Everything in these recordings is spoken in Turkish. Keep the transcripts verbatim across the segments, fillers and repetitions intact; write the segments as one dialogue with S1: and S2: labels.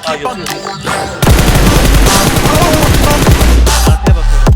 S1: Ha gördüm.
S2: Arkaya bakıyorum.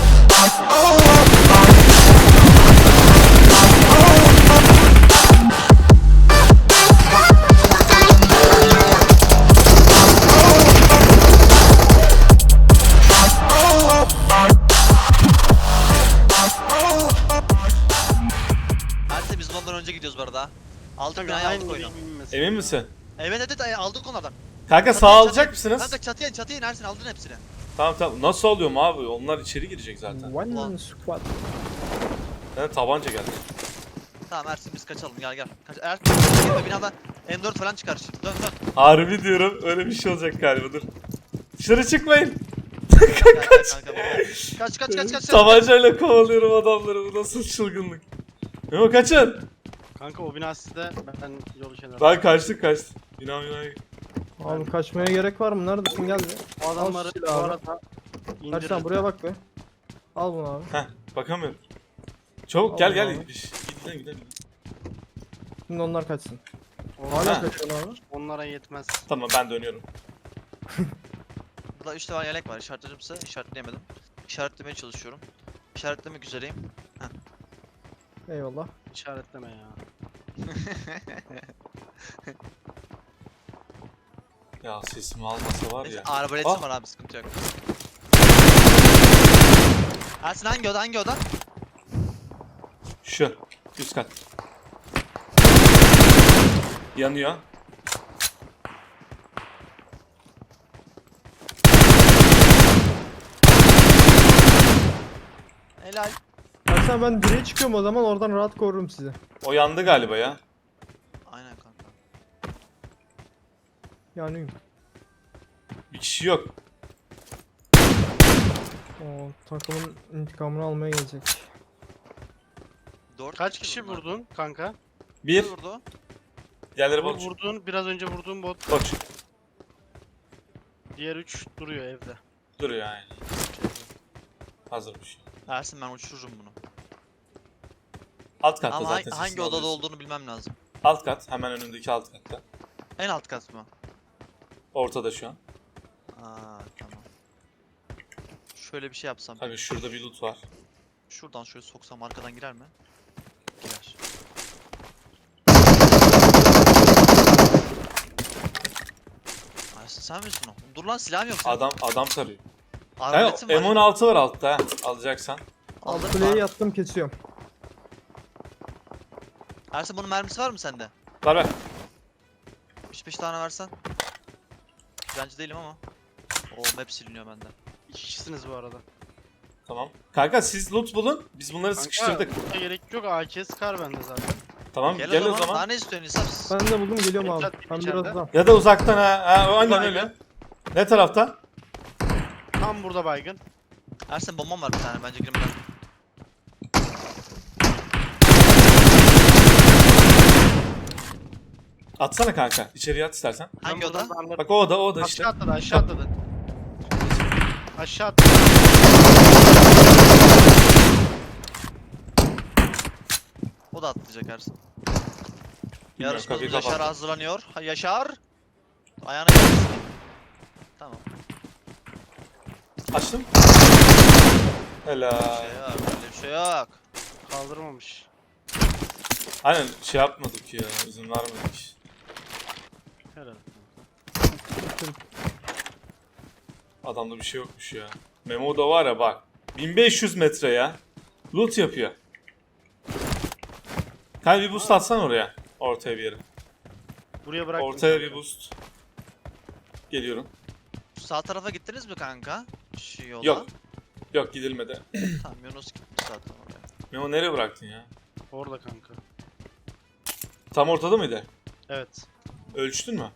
S2: Hadi biz ondan önce gidiyoruz bu arada. Aldık binayı aldık oyunu.
S1: Emin misin?
S2: Evet evet evet, aldık onlardan.
S1: Kanka sağ
S2: Çatıya,
S1: alacak
S2: çatıya.
S1: mısınız?
S2: Kanka çatıya çatıya inersin, aldın hepsini.
S1: Tamam tamam. Nasıl alıyorum abi? Onlar içeri girecek zaten.
S3: One squad.
S1: Yani tabanca geldi.
S2: Tamam Ersin biz kaçalım, gel gel. Kaç Ersin gitme, binada M dört falan çıkar şimdi. Dön dön.
S1: Harbi diyorum. Öyle bir şey olacak galiba. Dur. Dışarı çıkmayın.
S2: Kaç kaç kanka. Kaç kaç kaç kaç.
S1: Tabancayla kovalıyorum adamları. Bu nasıl çılgınlık? Memo kaçın.
S4: Kanka o bina sizde, ben yolu kenarı.
S1: Ben kaçtık kaçtık. Bina bina.
S3: Abi kaçmaya gerek var mı? Neredesin, gel be.
S4: O adamları
S3: Al
S4: bu
S3: silahı abi.
S4: arada
S3: Ersan
S4: indirin.
S3: buraya bak be. Al bunu abi.
S1: Heh bakamıyorum. Çabuk gel
S3: Allah
S1: gel.
S3: Allah.
S1: Gidelim gidelim.
S3: Şimdi onlar kaçsın.
S4: Onlar-
S3: Hala
S1: Ha.
S3: kaçıyorsun abi.
S4: Onlara yetmez.
S1: Tamam ben dönüyorum.
S2: Burada üç tane yelek var, işaretlerimse işaretleyemedim. İşaretlemeye çalışıyorum. İşaretlemek üzereyim.
S3: Eyvallah.
S4: İşaretleme ya.
S1: Ya sesimi almasa var
S2: Neyse,
S1: ya.
S2: arbaletim
S1: Ah.
S2: var abi, sıkıntı yok. Ersin hangi oda hangi oda?
S1: Şu. Üst kat. Yanıyor.
S2: Helal.
S3: Ersan ben direğe çıkıyorum o zaman, oradan rahat korurum sizi.
S1: O yandı galiba ya.
S2: Aynen kanka.
S3: Yanıyım.
S1: Bir kişi yok.
S3: O takımın intikamını almaya gelecek.
S2: Dört
S4: Kaç kişi vurdun kanka?
S1: Bir.
S2: Bir vurdu.
S1: Diğerleri
S4: Bu
S1: boş.
S4: vurduğun, biraz önce vurduğun bot.
S1: Boş.
S4: Diğer üç duruyor evde.
S1: Duruyor yani. Hazırmış.
S2: Ersin ben uçururum bunu.
S1: Alt katta
S2: Ama
S1: zaten
S2: ha- hangi
S1: sesini
S2: odada
S1: alıyorsun.
S2: olduğunu bilmem lazım.
S1: Alt kat. Hemen önündeki alt katta.
S2: En alt kat mı?
S1: Ortada şu an.
S2: Aa tamam. Şöyle bir şey yapsam.
S1: Tabii şurada bir loot var.
S2: Şuradan şöyle soksam arkadan girer mi? Girer. Ersin sen misin o? Dur lan, silahım yok senin.
S1: Adam adam tarıyor.
S2: Arbaletim
S1: Yani
S2: var.
S1: M on altı var altta ha. Alacaksan.
S2: Aldım.
S3: Alt kuleyi yattım, kesiyorum.
S2: Ersin bunun mermisi var mı sende?
S1: Var ver.
S2: beş beş tane versen. Bence değilim ama. O map siliniyor benden.
S4: İki kişisiniz bu arada.
S1: Tamam. Kanka siz loot bulun. Biz bunları
S4: Kanka,
S1: sıkıştırdık.
S4: burada gerek yok. A K Scar bende zaten.
S1: Tamam
S2: Gel,
S1: gel,
S2: o
S1: o
S2: zaman.
S1: zaman.
S2: Daha ne istiyorsun İsap?
S3: Ben de buldum, geliyorum abi.
S4: Beklet,
S3: Ben
S4: içeride.
S3: biraz daha.
S1: Ya da uzaktan ha. ha o aynen
S4: Baygın.
S1: öyle. Ne tarafta?
S4: Tam burada baygın.
S2: Ersin bombam var bir tane, bence girmeden.
S1: Atsana kanka. İçeriye at istersen.
S2: Hangi
S4: Ben
S2: oda?
S4: buradan darlarım.
S1: Bak o oda o oda işte.
S4: Aşağı atladı, aşağı atladı. Aşağı atladı.
S2: O da atlayacak Ersin.
S1: Bilmiyorum,
S2: Yarışmacımız
S1: kapıyı
S2: Yaşar
S1: kapattım.
S2: hazırlanıyor. Ha, Yaşar. Ayağına gelsin. Tamam.
S1: Açtım.
S2: Bir
S1: Helal.
S2: şey yok. Öyle bir şey yok.
S4: Kaldırmamış.
S1: Aynen şey yapmadık ya. İzin vermedik.
S4: Herhalde.
S1: Adamda bir şey yokmuş ya. Memo da var ya bak. bin beş yüz metre ya. Loot yapıyor. Kanka bir boost atsan oraya. Ortaya bir yere.
S4: Buraya bırak.
S1: Ortaya bir boost. Geliyorum.
S2: Şu sağ tarafa gittiniz mi kanka? Şu yola.
S1: Yok. Yok gidilmedi.
S2: Tamam, Yunus gitmiş zaten oraya.
S1: Memo nereye bıraktın ya?
S4: Orada kanka.
S1: Tam ortada mıydı?
S4: Evet.
S1: Ölçtün mü?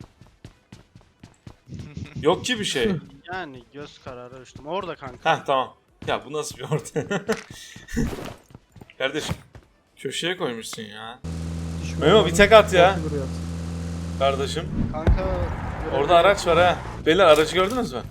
S1: Yok ki bir şey.
S4: Yani göz kararı ölçtüm. Orada kanka.
S1: Heh tamam. Ya bu nasıl bir orta? Kardeşim. Köşeye koymuşsun ya. Memo bir tek at ya.
S3: Orta duruyor.
S1: Kardeşim.
S4: Kanka.
S1: Orada araç var ha. Beyler aracı gördünüz mü?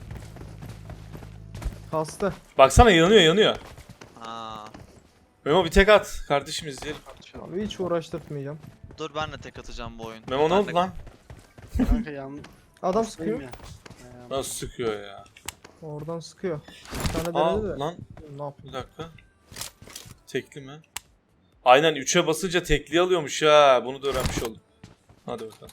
S3: Kastı.
S1: Baksana yanıyor yanıyor.
S2: Aa.
S1: Memo bir tek at. Kardeşim izleyelim.
S3: Abi hiç uğraştırmayacağım.
S2: Dur ben de tek atacağım bu oyun.
S1: Memo ne
S2: Ben
S1: oldu
S2: de-
S1: lan?
S4: Kanka yan.
S3: Adam sıkıyor.
S4: Ya.
S1: Nasıl sıkıyor ya?
S3: Oradan sıkıyor. Bir tane
S1: Aa
S3: denedi de.
S1: lan
S3: Ne yapıyor?
S1: bir dakika. Tekli mi? Aynen üçe basınca tekli alıyormuş ha. Bunu da öğrenmiş oldum. Hadi bakalım.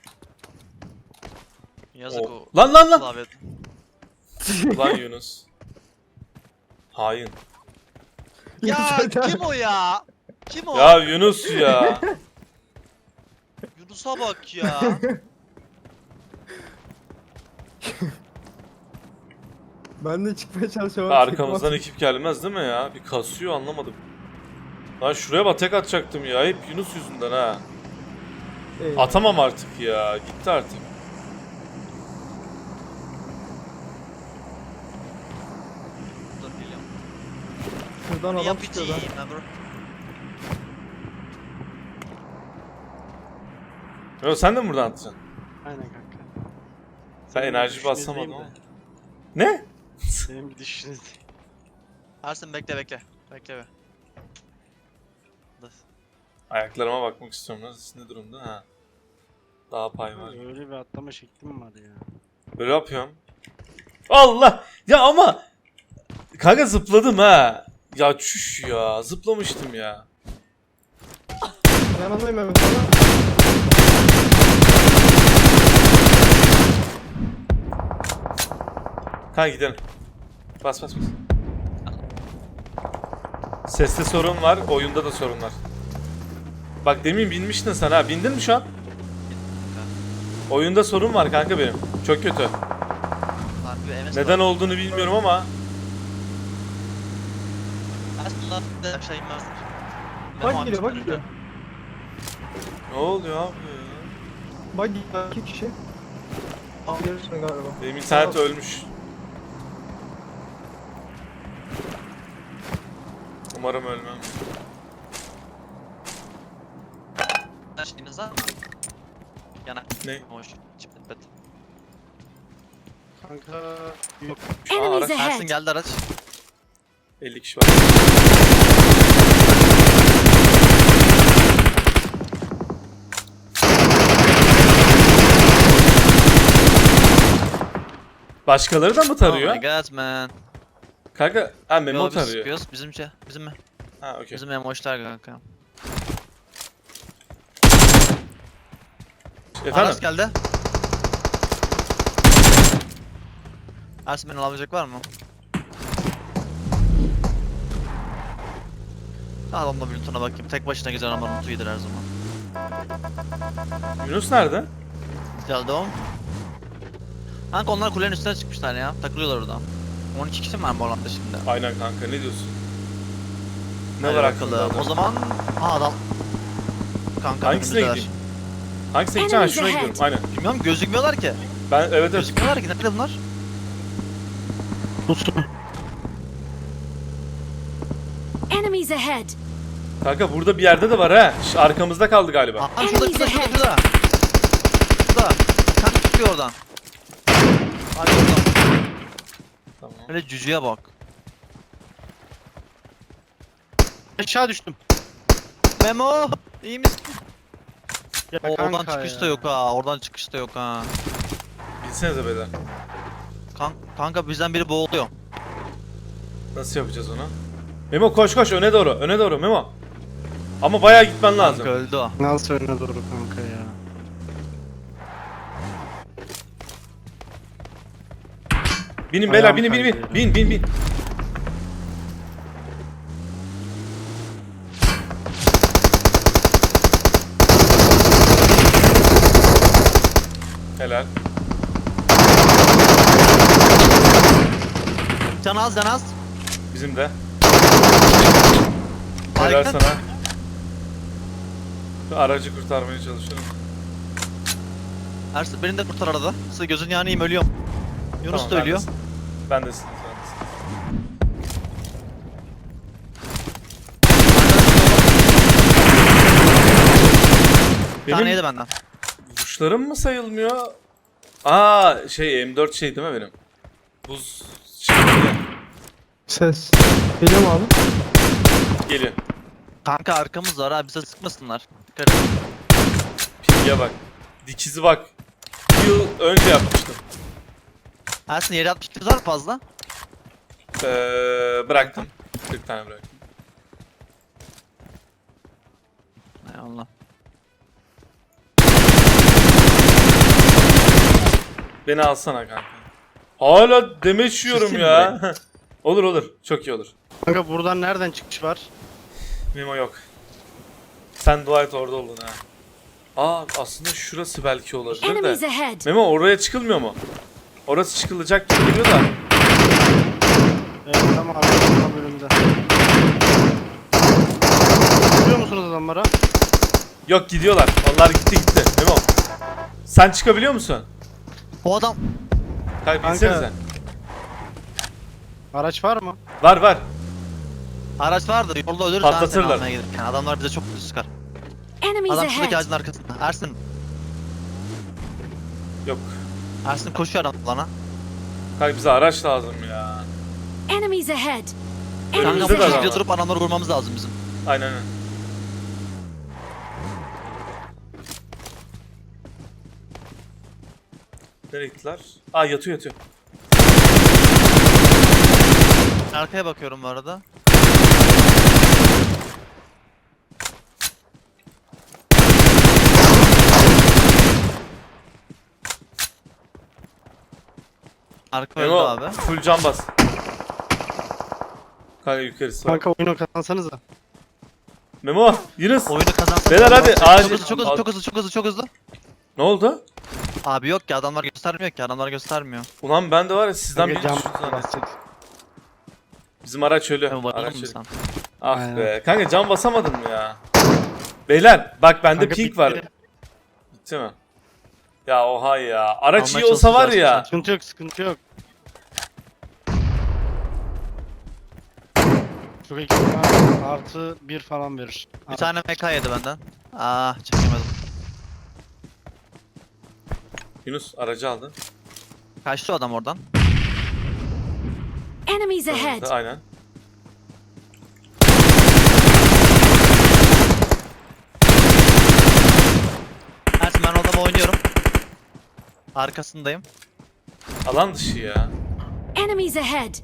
S2: Yazık
S1: O-
S2: o.
S1: Lan lan lan.
S2: Klavye.
S1: Lan Yunus. Hain.
S2: Ya kim o ya? Kim o?
S1: Ya Yunus ya.
S2: Yunus'a bak ya.
S3: Ben de çıkmaya çalışıyorum.
S1: Arkamızdan ekip gelmez değil mi ya? Bir kasıyor anlamadım. Lan şuraya bak tek atacaktım ya. Hep Yunus yüzünden ha.
S3: Eyvah.
S1: Atamam artık ya. Gitti artık.
S2: Dur geliyorum.
S3: Şuradan
S2: Ne
S3: adam çıkıyor
S2: yapacağım
S3: lan.
S2: ben bro?
S1: Yo, sen de mi buradan atacaksın?
S4: Aynen kanka.
S1: Sen
S4: Senin
S1: enerji
S4: düşünüzdeyim
S1: basamadın
S4: de.
S1: ama. Ne?
S4: Senin bir düşünüzdeyim.
S2: Ersin bekle bekle. Bekle be. Dur.
S1: Ayaklarıma bakmak istiyorum. Nasıl ne durumda? Ha. Daha pay var.
S4: Öyle bir atlama şeklim var ya.
S1: Böyle yapıyorum. Allah! Ya ama kanka zıpladım ha. Ya çüş ya. Zıplamıştım ya.
S3: Yanındayım Mehmet abi.
S1: Kanka gidelim. Bas bas bas. Seste sorun var, oyunda da sorun var. Bak demin binmiştin sen ha. Bindin mi şu an? Oyunda sorun var kanka benim. Çok kötü.
S2: Harbi M S
S1: Neden
S2: var.
S1: olduğunu bilmiyorum ama.
S2: Ersin lan de aşağı inmez.
S3: Bak gidiyor bak gidiyor.
S1: Ne oluyor abi ya?
S3: Bak gidiyor. İki kişi. Al gelirsin galiba.
S1: Benim internet ölmüş. Umarım ölmem.
S2: Şeyiniz var mı? Yanak.
S1: Ne?
S2: Hoş. Çipet pet.
S4: Kanka yok.
S1: Aa,
S5: Enemies
S1: araç.
S5: ahead!
S2: Ersin geldi araç.
S1: elli kişi var. Başkaları da mı tarıyor?
S2: Oh my god man.
S1: Kanka, ha Memo
S2: Yo, biz
S1: tarıyor.
S2: sıkıyoruz. Bizim şey. Bizim mi?
S1: Ha okey.
S2: Bizim emoşlar kanka.
S1: Efendim?
S2: Aras geldi. Ersin beni alabilecek var mı? Adamla bir lootuna bakayım. Tek başına gezen ama lootu iyidir her zaman.
S1: Yunus nerede?
S2: Geldi o. Kanka onlar kulenin üstüne çıkmışlar ya. Takılıyorlar orada. on iki kişi mi var bu alanda şimdi?
S1: Aynen kanka ne diyorsun? Ne
S2: Hadi
S1: var
S2: bakalım.
S1: aklında?
S2: O zaman... Aa adam. Kanka
S1: Hangisine
S2: önümüzdeler.
S1: gideyim? Hangisine gideceğim? Ha, şuna
S5: Enemies
S1: gidiyorum. Aynen.
S2: Bilmiyorum gözükmüyorlar ki.
S1: Ben evet evet.
S2: Gözükmüyorlar ki. Nerede bunlar?
S5: Enemies ahead!
S1: Kanka burada bir yerde de var ha. Şş, arkamızda kaldı galiba.
S2: Aa şurada şurada
S5: Enemies
S2: şurada şurada. Şurada. Kanka çıkıyor oradan. Hadi oradan.
S1: Tamam.
S2: Öyle cücüye bak.
S4: Aşağı düştüm.
S2: Memo! İyi misin?
S4: Ya
S2: O, oradan
S4: kanka
S2: çıkış da
S4: ya.
S2: yok ha. Oradan çıkış da yok ha.
S1: Bilsenize beyler.
S2: Kan kanka bizden biri boğuluyor.
S1: Nasıl yapacağız onu? Memo koş koş öne doğru. Öne doğru Memo. Ama bayağı gitmen lazım.
S2: Kanka öldü o.
S4: Nasıl önüne doğru kanka ya.
S1: Binin beyler
S4: Ayağım
S1: binin binin
S4: kaydı
S1: bin.
S4: ya.
S1: Bin bin bin. Helal.
S2: Can az can az.
S1: Bizim de. Helal
S2: Harika.
S1: sana. Şu aracı kurtarmaya çalışıyorum.
S2: Ersin beni de kurtar arada. Size gözün yanayım ölüyorum. Yunus
S1: Tamam,
S2: da ölüyor.
S1: bendesin. Bendesin. bendesin.
S2: Bir tane
S1: Benim
S2: yedi benden.
S1: vuruşlarım mı sayılmıyor? Aa şey M dört şey değil mi benim? Buz şey
S3: Ses. Geliyor mu abi?
S1: geliyor.
S2: Kanka arkamız var ha bize sıkmasınlar. Dikkat et.
S1: Pilye bak. Dikizi bak. Yıl önce yapmıştım.
S2: Ersin yere altmış iki var mı fazla?
S1: Ee, bıraktım. kırk tane bıraktım.
S2: Eyvallah.
S1: Beni alsana kanka. Hala demeç yiyorum
S2: Susayım
S1: ya. Olur olur. Çok iyi olur.
S4: Kanka buradan nereden çıkış var?
S1: Memo yok. Sen dua et orada oldun ha. Aa aslında şurası belki olabilir
S5: Enemies
S1: de.
S5: ahead!
S1: Memo oraya çıkılmıyor mu? Orası çıkılacak gibi geliyor da.
S4: Evet tamam abi tam bölümde. Görüyor musunuz adamlara?
S1: Yok gidiyorlar. Onlar gitti gitti. Memo. Sen çıkabiliyor musun?
S2: O adam
S1: Kanka
S4: Kanka.
S1: binsenize.
S4: Araç var mı?
S1: Var var.
S2: araç vardı. Yolda ölürüz.
S1: Patlatırlar.
S2: Ersin almaya gelirken. Adamlar bize çok kötü sıkar.
S5: Enemies
S2: Adam şuradaki
S5: ahead!
S2: ağacın arkasında. Ersin.
S1: Yok.
S2: Ersin koşuyor adam bana.
S1: Kanka bize araç lazım ya.
S5: Enemies ahead!
S1: Önümüzde
S5: Enemies
S2: Kanka
S1: de
S2: bu
S1: adam
S5: ahead!
S1: var.
S2: şekilde durup adamları vurmamız lazım bizim.
S1: Aynen öyle. Nereye gittiler? Aa yatıyor yatıyor.
S2: Arkaya bakıyorum bu arada. Arka öldü
S1: Memo
S2: abi.
S1: full can bas. Kanka yukarısı var.
S4: Kanka oyunu kazansanıza.
S1: Memo Yunus.
S2: Oyunu kazansak.
S1: Beyler hadi,
S2: Çok
S1: acil.
S2: hızlı, çok hızlı, çok hızlı, çok hızlı, çok hızlı.
S1: Ne oldu?
S2: Abi yok ki adamlar göstermiyor ki adamlar göstermiyor.
S1: Ulan ben de var ya sizden
S4: Kanka
S1: biri
S4: cam
S1: düştü zannettim.
S4: basacak.
S1: Bizim araç ölü.
S2: Memo
S1: Araç
S2: bayıldın mı
S1: ölü.
S2: sen?
S1: Ah
S4: Aynen.
S1: be. Kanka can basamadın mı ya? Beyler bak bende
S4: Kanka
S1: pink
S4: bitti.
S1: var. Bitti mi? Ya oha ya. Araç
S2: Almaya
S1: iyi olsa var
S2: çalışacağız
S1: ya.
S4: Sıkıntı yok sıkıntı yok. Çok ekip var. Artı bir falan verir.
S2: Bir tane M K yedi benden. Ah çekemedim.
S1: Yunus aracı aldı.
S2: Kaçtı o adam oradan.
S5: Enemies ahead!
S1: Aynen.
S2: Ersin ben o adamı oynuyorum. Arkasındayım.
S1: Alan dışı ya.
S5: Enemies ahead!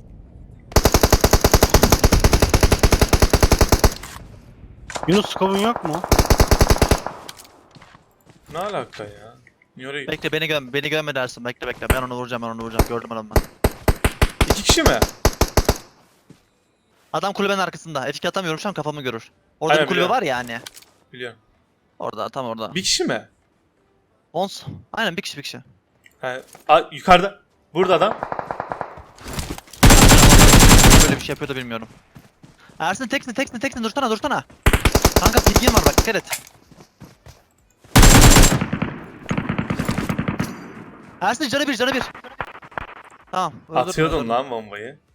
S4: Yunus skobun yok mu?
S1: Ne alaka ya? Niye oraya gitti?
S2: Bekle beni göm beni gömme dersin. Bekle bekle ben onu vuracağım ben onu vuracağım. Gördüm adamı ben.
S1: İki kişi mi?
S2: Adam kulübenin arkasında. F iki atamıyorum şu an kafamı görür. Orada
S1: Aynen,
S2: bir kulübe
S1: biliyorum.
S2: var ya hani.
S1: Biliyorum.
S2: Orada tam orada.
S1: Bir kişi mi?
S2: Ons. Aynen bir kişi bir kişi.
S1: He, a, yukarıda. Burada adam.
S2: Böyle bir şey yapıyor da bilmiyorum. Ersin teksin teksin teksin dursana dursana. Kanka pilgin var bak dikkat et. Ersin canı bir canı bir. Tamam. öldürdüm,
S1: Atıyordum
S2: öldürdüm.
S1: lan bombayı.